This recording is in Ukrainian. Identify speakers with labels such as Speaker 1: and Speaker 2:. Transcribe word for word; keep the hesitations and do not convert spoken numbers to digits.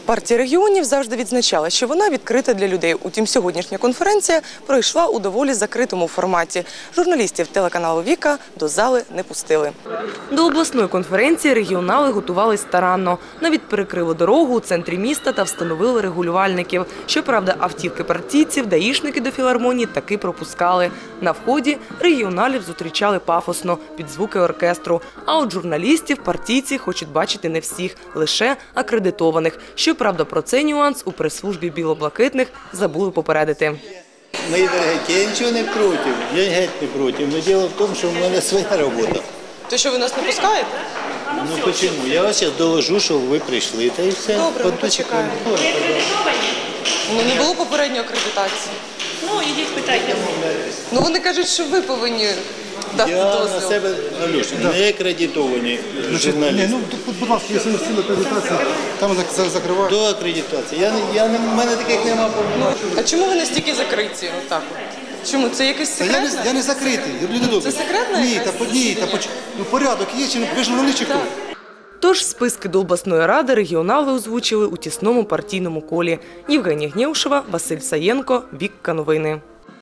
Speaker 1: Партія регіонів завжди відзначала, що вона відкрита для людей. Утім, сьогоднішня конференція пройшла у доволі закритому форматі. Журналістів телеканалу «Віка» до зали не пустили. До обласної конференції регіонали готувались старанно. Навіть перекрили дорогу у центрі міста та встановили регулювальників. Щоправда, автівки партійців даїшники до філармонії таки пропускали. На вході регіоналів зустрічали пафосно, під звуки оркестру. А от журналістів партійці хочуть бачити не всіх, лише акредитованих. Щоправда, про цей нюанс у прес-службі білоблакитних забули попередити.
Speaker 2: Мої дорогі, я нічого не проти, я геть не проти. Но діло в тому, що в мене своя робота.
Speaker 1: То що, ви нас не пускаєте?
Speaker 2: Ну чому? Я вас зараз доложу, що ви прийшли, та і все.
Speaker 1: Добре, ми почекаємо. Ну, не було попередньої акредитації.
Speaker 3: Ну, ідіть питайте.
Speaker 1: Ну, вони кажуть, що ви повинні дати
Speaker 2: Я на
Speaker 1: дозвіл.
Speaker 2: себе, Алюш, не акредитовані журналісти.
Speaker 4: Ну, будь ласка, якщо не стіл акредитації, там закривають.
Speaker 2: До акредитації. Я, я, в мене таких немає повноважень.
Speaker 1: А чому ви настільки закриті? Отак от? Чому? Це якийсь
Speaker 4: Я
Speaker 1: секрет?
Speaker 4: не, я не закритий, люди добрі.
Speaker 1: Це секретна
Speaker 4: Ні,
Speaker 1: якась
Speaker 4: та, ні, та, поч- ну, порядок є, чи не, ви ж журналіст чи хто?
Speaker 1: Тож списки до обласної ради регіонали озвучили у тісному партійному колі. Євгенія Гнєушева, Василь Саєнко, Вікка Новини.